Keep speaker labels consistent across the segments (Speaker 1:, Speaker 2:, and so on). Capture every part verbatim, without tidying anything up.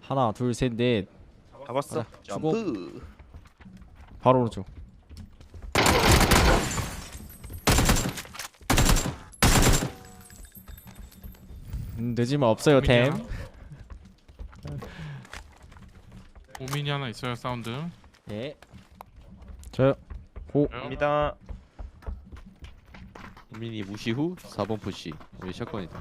Speaker 1: 하나 둘 셋 넷.
Speaker 2: 잡았어. 점프.
Speaker 1: 바로 오른쪽. 음, 늦으면 없어요 템.
Speaker 3: 오민이 하나 있어요. 사운드.
Speaker 1: 예. 저요. 고.
Speaker 2: 갑니다.
Speaker 4: 민이 무시 후 사 번 푸시. 우리 샷건이다.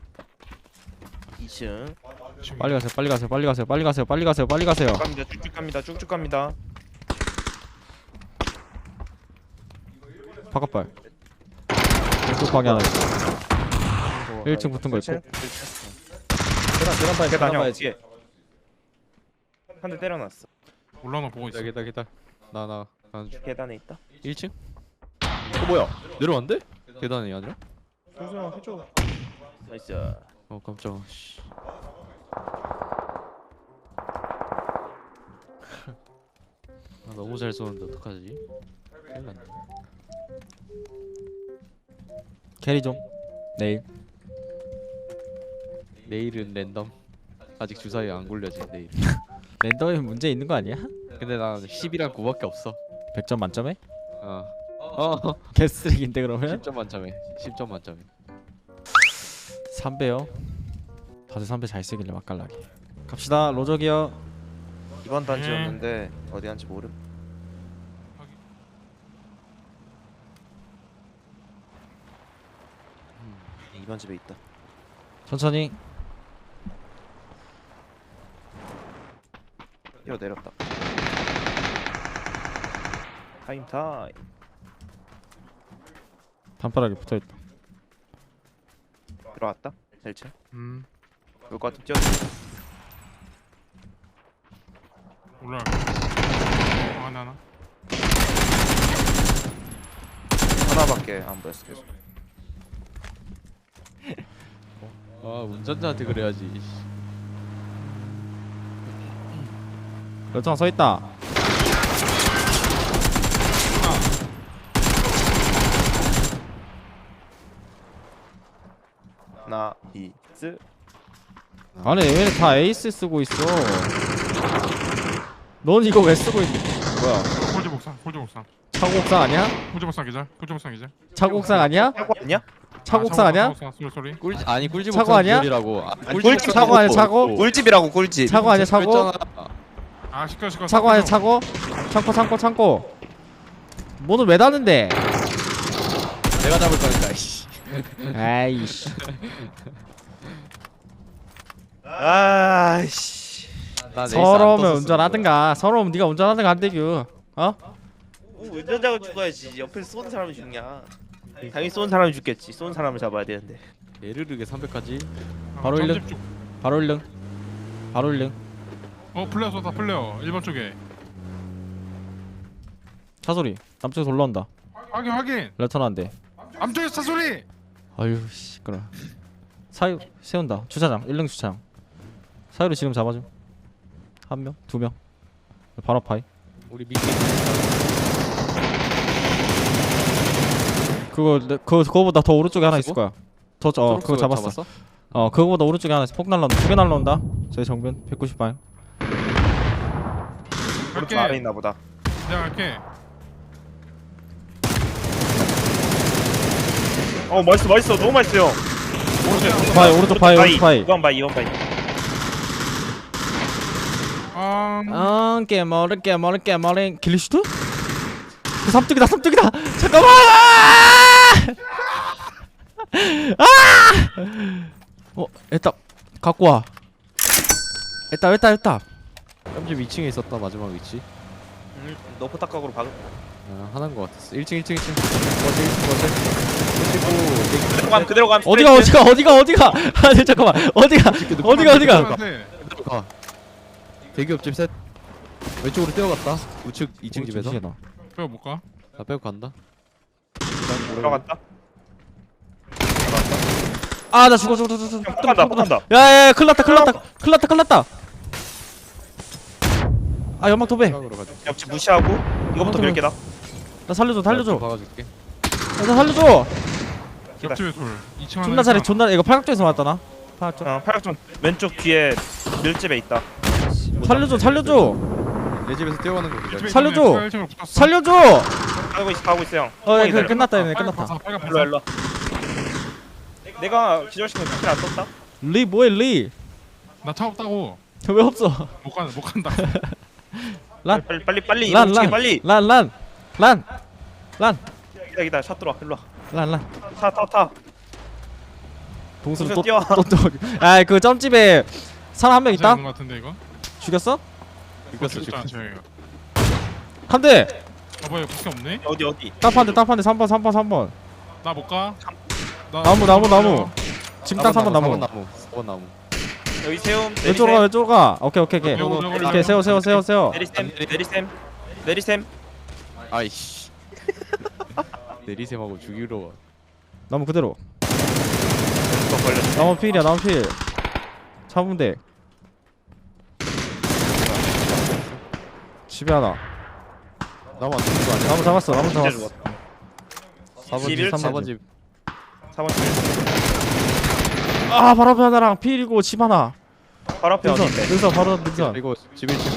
Speaker 2: 이 층.
Speaker 1: 빨리 가세요. 빨리 가세요. 빨리 가세요. 빨리 가세요. 빨리 가세요. 빨리 가세요.
Speaker 2: 갑니다. 쭉쭉 갑니다. 쭉쭉 갑니다.
Speaker 1: 바깥발. 왼쪽 방에 하나 있어. 일 층 붙은 거 있고. 계단 계단 봐야
Speaker 2: 계단
Speaker 1: 계단
Speaker 2: 형
Speaker 1: 봐야지.
Speaker 2: 뒤에. 한 대 때려놨어.
Speaker 3: 올라오나 보고 있어.
Speaker 4: 기다 기다 기다. 나나 가는 중.
Speaker 2: 계단에 있다.
Speaker 4: 일 층? 어 뭐야? 내려왔는데? 계단이 아니라?
Speaker 2: 조수형 해줘. 나이스.
Speaker 4: 어 깜짝아. 씨. 아, 너무 잘 쏘는데 어떡하지? 큰일 났네.
Speaker 1: 캐리 좀. 내일.
Speaker 4: 내일은 랜덤. 아직 주사위 안 굴려진 내일.
Speaker 1: 랜덤에 문제 있는 거 아니야?
Speaker 4: 근데 난 십이랑 구밖에 없어.
Speaker 1: 백 점 만점에?
Speaker 4: 어. 어.
Speaker 1: 개쓰레기인데 그러면?
Speaker 4: 십 점 만점에. 십 점 만점에.
Speaker 1: 삼 배요. 다들 삼 배 잘 쓰길래 맛깔나게. 갑시다. 로저기요.
Speaker 2: 이번 단지였는데 어디 한지 모름. 음, 이번 집에 있다.
Speaker 1: 천천히.
Speaker 2: 뛰어 내렸다. 타임 타임.
Speaker 1: 단파락에 붙어있다.
Speaker 2: 들어왔다. 일 층.
Speaker 3: 음.
Speaker 2: 올 것 같은 뛰어.
Speaker 3: 올라. 어, 하나 하나.
Speaker 2: 하나밖에 안 보였어 계속.
Speaker 4: 아 운전자한테 그래야지.
Speaker 1: 열정 서있다.
Speaker 2: 나이스.
Speaker 1: 아니 왜 다 에이스 쓰고 있어? 넌 이거 왜 쓰고 있는 뭐야?
Speaker 3: 홀드 복상. 홀드 복상.
Speaker 1: 차고옥상 아니야?
Speaker 3: 홀드 복상 기자. 홀드 복상 기자.
Speaker 1: 차고옥상 아니야?
Speaker 2: 사고 아니야?
Speaker 1: 차고옥상 아니야?
Speaker 3: 소리 소리.
Speaker 4: 꿀 아니 꿀집
Speaker 1: 차고
Speaker 4: 옥상
Speaker 1: 아니야?
Speaker 4: 기절이라고. 아,
Speaker 2: 아니,
Speaker 4: 꿀집
Speaker 2: 꿀집
Speaker 4: 옥상
Speaker 1: 차고 아니야,
Speaker 4: 없고,
Speaker 1: 차고?
Speaker 4: 없고.
Speaker 2: 꿀집이라고 꿀집.
Speaker 1: 차고 아니야 차고?
Speaker 4: 그랬잖아.
Speaker 3: 아 시끄러 시끄러.
Speaker 1: 차고 아니야 차고? 창고 창고 창고. 뭐는 왜 닫는데?
Speaker 4: 내가 잡을 거니까. 이씨.
Speaker 1: 아이씨.
Speaker 2: 아이씨.
Speaker 4: 나 레이스 안
Speaker 1: 서러우면
Speaker 4: 떴었어,
Speaker 1: 운전하든가. 서러우면 네가 운전하든가 안 되규. 어?
Speaker 2: 오, 운전자가 죽어야지. 옆에서 쏘는 사람이 죽냐? 당연히 쏘는 사람이 죽겠지. 쏘는 사람을 잡아야 되는데.
Speaker 4: 거야. 예르르게 삼백까지.
Speaker 1: 바로 일름. 바로 일릉. 바로 일릉.
Speaker 3: 어 플레어 쏘다 플레어. 일 번 쪽에.
Speaker 1: 차 소리. 남쪽에서 올라온다.
Speaker 3: 확인 확인.
Speaker 1: 레턴한데.
Speaker 3: 암쪽에서 차 소리.
Speaker 1: 아유 씨 그래. 사유 세운다. 주차장. 일릉 주차장. 사유를 지금 잡아줘. 한 명, 두 명. 바로 파이.
Speaker 4: 우리 미끼.
Speaker 1: 그거 내- 그거 그거보다 더 오른쪽에 하나 있을 거야. 더 어 그거 잡았어.
Speaker 4: 잡았어?
Speaker 1: 어 그거보다 오른쪽에 하나 있어. 폭 날라온다. 두 개 날라온다. 저희 정면 백구십 방.
Speaker 2: 오른쪽
Speaker 3: 갈게.
Speaker 2: 아래 있나 보다.
Speaker 3: 내가 갈게.
Speaker 2: 어 맛있어 맛있어 너무 맛있어요.
Speaker 3: 오른쪽.
Speaker 1: 파이 오른쪽 파이 오른쪽 파이.
Speaker 2: 이번 바이 이번 바이.
Speaker 3: 아.
Speaker 1: 아 깨머리 깨머리 깨머리 길리슈트? 그 삼뚝이다 삼뚝이다. 잠깐만. 아! 어 에따 갖고 와. 에따 에따 에따.
Speaker 4: 깜집 이 층에 있었다 마지막 위치.
Speaker 2: 음, 너 포탑각으로 박은.
Speaker 4: 아 하나인 것 같았어. 일 층 일 층 일 층. 버스 일 층 버스.
Speaker 2: 그대로 감 그대로 감.
Speaker 1: 어디가 어디가 어디가 어디가. 아니 잠깐만 어디가 어디가 어디가.
Speaker 4: 그리고 가. 대기 옆집 셋. 왼쪽으로 뛰어갔다. 우측 이 층 집에서.
Speaker 3: 빼어 못 가.
Speaker 4: 나 빼고 간다.
Speaker 2: 들어갔다.
Speaker 1: 아 나 죽어 죽어 죽어 죽어.
Speaker 2: 형 폭간다 폭간다.
Speaker 1: 야야야 큰일났다 큰일났다 큰일났다 큰일났다. 아 연막 도배.
Speaker 4: 생각으로 가자.
Speaker 2: 옆집 무시하고 이거부터 몇 개다.
Speaker 1: 나 살려줘 살려줘.
Speaker 4: 박아줄게.
Speaker 1: 야, 나 살려줘.
Speaker 3: 옆집에 돌. 이 층 하나.
Speaker 1: 존나 잘해 존나 이거 팔각정에서 왔다 나. 팔각정.
Speaker 2: 어 팔각정 왼쪽 뒤에 밀집에 있다.
Speaker 1: 살려줘 살려줘
Speaker 4: 내 집에서 뛰어가는 거 기다려.
Speaker 1: 살려줘!
Speaker 3: 일 층으로 붙었어.
Speaker 1: 살려줘
Speaker 2: 가고 있어 가고 있어 형.
Speaker 1: 어 예,
Speaker 2: 기다려.
Speaker 1: 그, 끝났다 얘네
Speaker 3: 빨간
Speaker 1: 끝났다
Speaker 3: 바사, 빨간 바사.
Speaker 2: 일로 와, 일로 와. 내가 기절시키면 스킬 안 썼다.
Speaker 1: 리 뭐해 리
Speaker 3: 나차 없다고.
Speaker 1: 왜 없어
Speaker 3: 못 간다 못 간다.
Speaker 1: 란
Speaker 2: 빨리 빨리 빨리
Speaker 1: 란,
Speaker 2: 이거
Speaker 1: 란.
Speaker 2: 빨리.
Speaker 1: 란 란 란 란
Speaker 2: 기다 기다 샷 들어와 일로 와.
Speaker 1: 란 란
Speaker 2: 타 타 타.
Speaker 1: 동수는
Speaker 2: 동수 뛰어.
Speaker 1: 또또또 아이 그 점집에 사람 한 명 있다
Speaker 3: 있는 것 같은데 이거.
Speaker 1: 죽였어?
Speaker 4: 죽였어 지금.
Speaker 3: 저희가.
Speaker 1: 한대
Speaker 3: 봐봐 이거 밖에 없네.
Speaker 2: 어디 어디.
Speaker 1: 딱한대 딱한대 삼 번 삼 번 삼 번
Speaker 3: 나 못 가. 나
Speaker 1: 나무 나무 나무 지금 딱 삼 번 나무
Speaker 4: 나무. 사 번 나무.
Speaker 2: 여기 세움.
Speaker 1: 왼쪽으로 가 왼쪽으로 가 오케이 오케이 오케이
Speaker 3: 요거, 요거, 요거,
Speaker 1: 오케이 세워 세워 세워 세워
Speaker 2: 내리셈 내리셈 내리셈.
Speaker 4: 아이씨. 내리셈하고 죽이러 와.
Speaker 1: 나무 그대로
Speaker 2: 이거 걸렸어.
Speaker 1: 나무 필이야 나무 필 잡으면 돼 집에 하나
Speaker 4: 나무 안 죽는 거 아니야?
Speaker 1: 나무 잡았어 나무
Speaker 2: 진짜
Speaker 1: 잡았어
Speaker 2: 죽었다.
Speaker 4: 사 번 집,
Speaker 2: 이십일
Speaker 4: 사 번 집.
Speaker 2: 사 번
Speaker 1: 아 바로 앞에 하나랑 필이고 집 하나
Speaker 2: 바로 앞에
Speaker 1: 능선
Speaker 2: 어딘데?
Speaker 1: 능선 바로 능선
Speaker 4: 이거 집 일 층.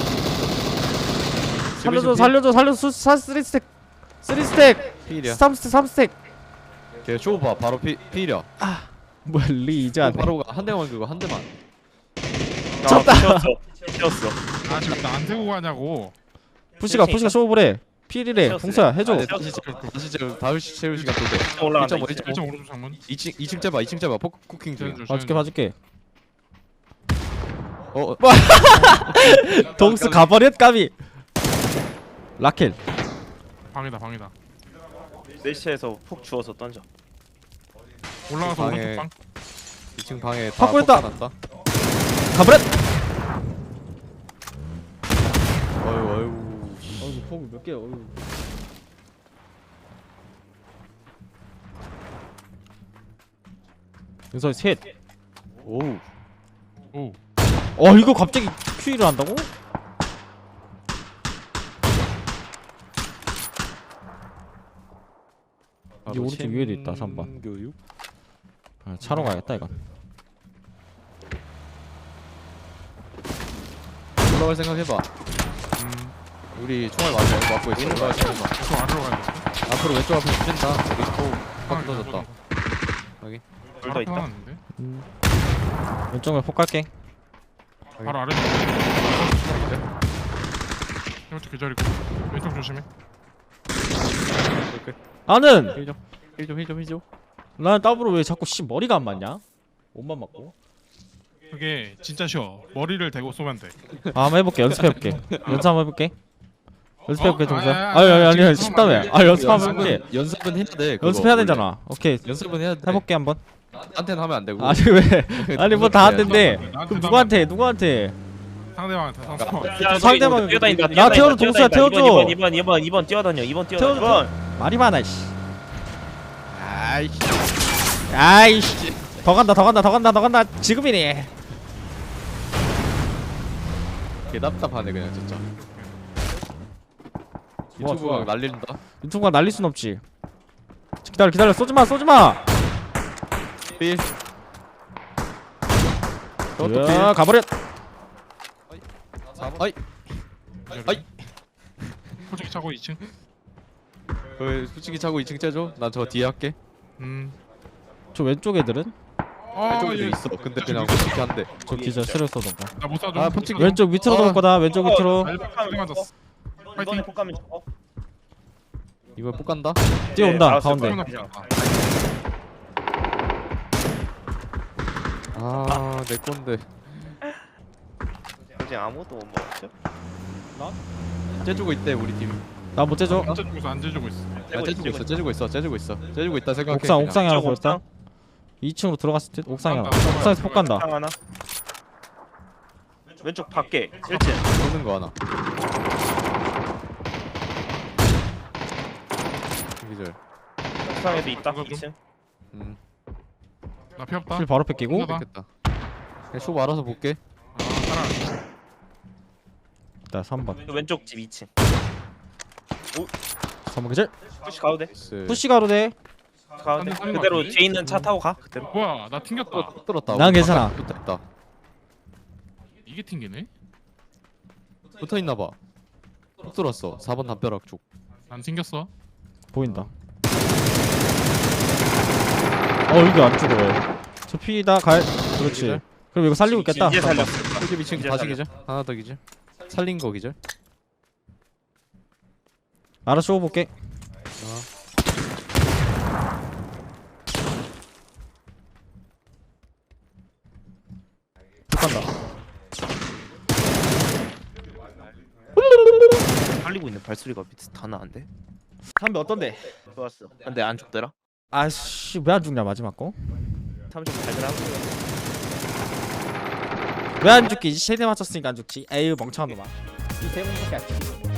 Speaker 1: 살려줘 살려줘 살려줘 수- 사 쓰리 스택 쓰리 스택
Speaker 4: 필이야.
Speaker 1: 삼 스택 삼 스택
Speaker 4: 걔 쇼 봐. 바로 피 필이야.
Speaker 1: 뭐야 리 이제 안해
Speaker 4: 바로 가. 한 대만 그거 한 대만.
Speaker 2: 졌다. 채웠어. 채웠어.
Speaker 3: 아 지금 나안 태고 가냐고.
Speaker 1: 푸시가 푸시가 쇼브래 필이래
Speaker 2: 채웠어요.
Speaker 1: 동서야 해줘
Speaker 4: 아, 네, 다시 채울 다시 채울 다시 채울 시간 또 돼.
Speaker 2: 올라간다.
Speaker 4: 일 점 오,
Speaker 2: 이제.
Speaker 4: 일 점 오.
Speaker 3: 일 점 오른쪽 창문.
Speaker 4: 이 층 이 층 째봐. 이 층 째봐. 포크 쿠킹 중.
Speaker 1: 봐줄게 봐줄게
Speaker 4: 어, 어.
Speaker 1: 동수 가버렸 까비 라켈
Speaker 3: 방이다 방이다.
Speaker 2: 내 시체에서 폭 주워서 던져.
Speaker 3: 올라가서
Speaker 4: 방에-
Speaker 3: 오른쪽 방.
Speaker 4: 이 층 방에 다
Speaker 1: 확보했다.
Speaker 4: 폭탄 났다.
Speaker 1: 가버렸
Speaker 4: 어유 어유.
Speaker 1: 어우 폭 몇 개야 어우 윤서 셋
Speaker 4: 오우.
Speaker 3: 오.
Speaker 1: 어 이거 갑자기 큐이를 한다고? 이게 오른쪽 위에도 있다, 삼 번.
Speaker 4: 교육.
Speaker 1: 아, 차로 가야겠다 이건
Speaker 4: 올라갈 생각 해봐.
Speaker 3: 음.
Speaker 4: 우리 총알 맞아 맞고 있어. 올라갈 생각 해봐.
Speaker 3: 계속 아래로 가야 돼.
Speaker 4: 앞으로 왼쪽 앞에 붙인다. 여기 또
Speaker 3: 아,
Speaker 4: 확 터졌다. 여기.
Speaker 2: 둘 더 있다.
Speaker 3: 하는데.
Speaker 1: 음. 왼쪽에 폭 갈게
Speaker 3: 바로 아래. 이것도 기다리고. 왼쪽 조심해.
Speaker 4: 이렇게.
Speaker 1: 나는!
Speaker 4: 힐 좀. 힐 좀 힐 좀 힐 좀.
Speaker 1: 나는 더블로 왜 자꾸 씨 머리가 안 맞냐? 옷만 맞고
Speaker 3: 그게 진짜 쉬워. 머리를 대고 쏘면 돼.
Speaker 1: 아 한번 해볼게 연습해볼게 연습 한번 해볼게 연습해볼게
Speaker 3: 어?
Speaker 1: 동수야
Speaker 3: 아, 아,
Speaker 1: 아니 아니
Speaker 3: 아,
Speaker 1: 아니
Speaker 3: 지금
Speaker 1: 쉽다며
Speaker 3: 하면
Speaker 1: 아 연습 한번 해볼게
Speaker 4: 연습은 연습은 해야 돼. 그거
Speaker 1: 연습해야
Speaker 4: 원래.
Speaker 1: 되잖아 오케이
Speaker 4: 연습은 해야 돼.
Speaker 1: 해볼게 한번
Speaker 4: 나한테는 하면 안 되고.
Speaker 1: 아니 왜 아니 뭐 다 안 된대
Speaker 3: 나한테
Speaker 1: 그럼 누구한테 누구한테
Speaker 3: 상대방한테 상대방.
Speaker 2: 야,
Speaker 1: 상대방은-
Speaker 2: 저기 뛰어다닌다.
Speaker 1: 나 태워줘, 동수야, 태워줘.
Speaker 2: 이번 이번 이번 이번 뛰어다녀. 이번 뛰어다녀.
Speaker 1: 태워줘,
Speaker 2: 이번.
Speaker 1: 말이 많아 씨
Speaker 4: 아이씨.
Speaker 1: 아이씨 더 간다 더 간다 더 간다 더 간다 지금이니
Speaker 4: 개 답답하네 그냥 진짜.
Speaker 1: 좋아,
Speaker 4: 유튜브가
Speaker 1: 좋아.
Speaker 4: 날린다.
Speaker 1: 유튜브가 날릴 순 없지 기다려 기다려 쏘지마 쏘지마
Speaker 4: 필. 저것도 필.
Speaker 1: 야 가버렸
Speaker 4: 아이. 아이.
Speaker 3: 솔직히 차고 이 층.
Speaker 4: 그 솔직히 차고 이 층 째줘. 난 저 뒤에 할게.
Speaker 3: 음.
Speaker 1: 저 왼쪽 애들은?
Speaker 3: 아,
Speaker 4: 왼쪽에도
Speaker 3: 예.
Speaker 4: 있어. 근데 그냥 솔직히 한대.
Speaker 1: 저 기절 스를 쏘던가
Speaker 3: 나못 쏴줘.
Speaker 4: 아, 펀칭.
Speaker 1: 왼쪽 밑으로
Speaker 4: 아.
Speaker 1: 돌 거다 왼쪽 밑으로
Speaker 3: 알바 맞았어.
Speaker 2: 이번에
Speaker 3: 파이팅.
Speaker 2: 폭 가면 저거.
Speaker 4: 이번 폭 간다.
Speaker 1: 뛰어온다
Speaker 2: 네, 알았어,
Speaker 1: 가운데
Speaker 2: 그러면
Speaker 4: 아, 내 건데.
Speaker 2: 이제 아무도 못 먹었죠?
Speaker 4: 째주고 있대 우리 팀.
Speaker 1: 나 못 째줘
Speaker 3: 안 째주고 있어 안 째주고 있어.
Speaker 4: 야, 째주고 있어. 째주고 있어. 째주고 있어. 째주고 있다 생각해.
Speaker 1: 옥상
Speaker 4: 그냥.
Speaker 1: 옥상에 하나
Speaker 2: 옥상,
Speaker 1: 보였다
Speaker 2: 옥상.
Speaker 1: 이 층으로 들어갔을 듯 옥상에 하나
Speaker 3: 옥상,
Speaker 1: 옥상에서 폭 간다
Speaker 2: 상 하나. 왼쪽 밖에 일 층.
Speaker 4: 쏘는 거 하나. 기절.
Speaker 2: 옥상에도 있다.
Speaker 3: 이거 좀.
Speaker 2: 이 층.
Speaker 4: 음.
Speaker 3: 나 피 없다.
Speaker 1: 실 바로 뺏기고
Speaker 3: 봐.
Speaker 4: 됐다. 그냥 쇼 알아서 볼게.
Speaker 3: 아, 따라.
Speaker 1: 나 삼 번
Speaker 2: 그 왼쪽 집 이 층.
Speaker 1: 삼 번 기절
Speaker 2: 푸시 가도 돼.
Speaker 4: 스.
Speaker 1: 푸시 가로대
Speaker 2: 가도 돼.
Speaker 3: 하는 거
Speaker 2: 그대로
Speaker 3: 같은데?
Speaker 2: 뒤에 있는 차 타고 가. 그대로.
Speaker 3: 뭐야 나 튕겼다.
Speaker 4: 또 뚫었다.
Speaker 1: 난 괜찮아.
Speaker 4: 됐다.
Speaker 3: 이게 튕기네?
Speaker 4: 붙어있나봐. 훅 들어왔어. 사 번 담벼락 쪽.
Speaker 3: 안 생겼어.
Speaker 1: 보인다. 어 이게 안 죽어 왜? 저 피다 갈. 그렇지.
Speaker 4: 기절.
Speaker 1: 그럼 이거 살리고 있겠다.
Speaker 2: 이제 살렸어.
Speaker 4: 홀집 이 층
Speaker 2: 기절
Speaker 4: 다시
Speaker 2: 살렸어.
Speaker 4: 기절. 하나 더 기절. 살린 거 기절.
Speaker 1: 알아 쏘고 볼게.
Speaker 4: 어.
Speaker 1: 간다.
Speaker 2: 살리고 있는 발소리가 밑에서 다 나는데.
Speaker 1: 담배 어떤데?
Speaker 2: 좋았어. 근데 안 죽더라.
Speaker 1: 아씨 왜 안 죽냐 마지막 거?
Speaker 2: 삼십 발견하고.
Speaker 1: 왜 안 죽기? 세대 맞췄으니까 안 죽지. 에휴 멍청한 놈아. 이 대문밖에 안 죽지.